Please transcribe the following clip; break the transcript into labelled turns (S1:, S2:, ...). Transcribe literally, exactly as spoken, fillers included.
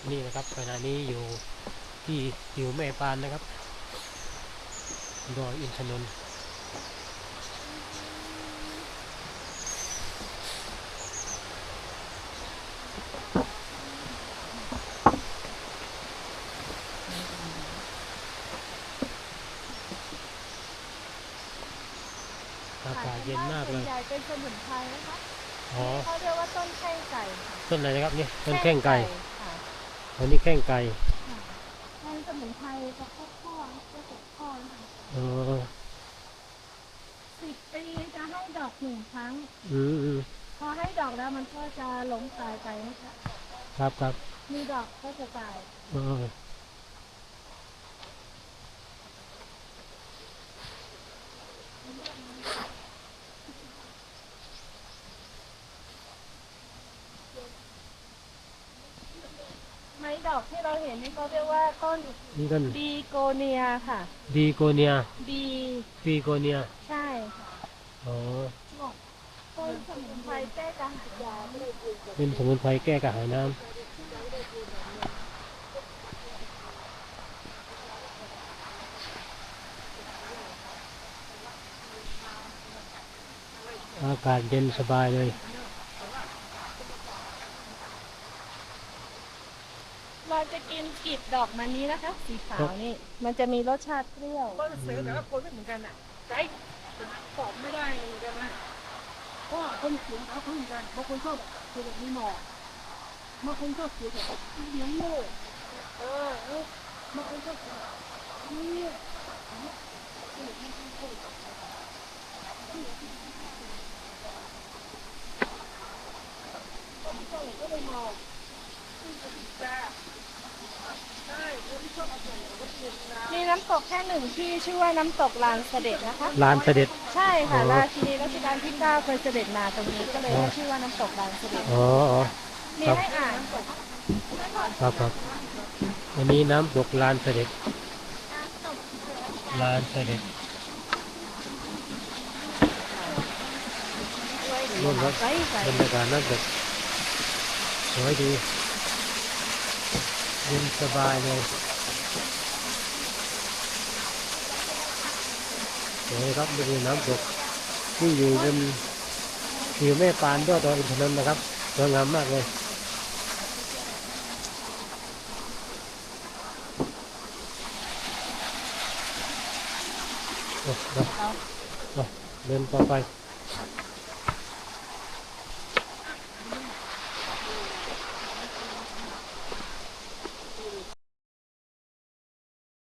S1: นี่นะครับขณะนี้อยู่ที่หิวแม่ปานนะครับดอยอินทนนท์อากาศเย็นมากเลย
S2: ส่วนใหญ่เป็นสมุนไพรนะคะ
S1: อ๋อ
S2: เขาเรียกว่าต้นแข้งไก่ค่ะ
S1: ต้นอะไรนะครับนี่ต้นแข้งไก่
S2: ค่ะ
S1: อันนี้แข้งไก่
S2: เป็นสมุนไพรประเภทข้อประเภทข้อนะคะ
S1: อ๋อ
S2: สิบปีจะให้ดอกหนึ่งครั้ง
S1: อืมอืม
S2: พอให้ดอกแล้วมันก็จะหลงตายไปนะคะ
S1: ครับครับ
S2: มีดอกก็จะตาย
S1: อ๋อ
S2: ไม้ดอกที่เราเห็นนี่เขาเรียกว่าต้น
S1: นี่ต้น
S2: บีโกเนียค่ะ
S1: ดีโกเนีย
S2: บี
S1: ปีโกเนีย
S2: ใช่ค่ะ
S1: อ๋อ
S2: ต้นสมุนไพรแก้กระหายยา
S1: เป็นสมุนไพรแก้กระหายน้ำอากาศเย็นสบายเลย
S2: เราจะกินกลีบดอกมันนี้นะคะสีขาวนี่มันจะมีรสชาติเปรี้ยว
S3: ก็เสือแต่ละคนไม่เหมือนกันอ่ะใจตอบไม่ได้เหมือนกันนะเพราะคนเสียงเขาเหมือนกันบางคนชอบเสียงแบบมีหมอกบางคนชอบเสียงแบบเสียงโง่เออเออบางคนชอบเสียงนี่ก็เลยมองแต่ใช่คนที่ชอบเอาเสียงก็เสียงนะ
S2: มีน้ำตกแค่หนึ่งที่ชื่อว่าน้ำตกลานเสด็จนะคะ
S1: ลานเสด็จ
S2: ใช่ค่ะราชินีรัชกาลที่เก้าเคยเสด็จมาตรงนี้ก็เลยได้ชื่อว่าน้ำตกลานเสด็จ
S1: อ๋ออ๋อ
S2: มีให้อ่าน
S1: ครับครับอันนี้น้ำตกลานเสด็จลานเสด็จนู่นครับบรรยากาศน้ำตกสวยดีเย็นสบายเลยสวยครับนี่คือน้ำตกที่อยู่บนหิวแม่ปานยอดดอยอินทนนท์นะครับสวยงามมากเลยโอ้โหเดินต่อไป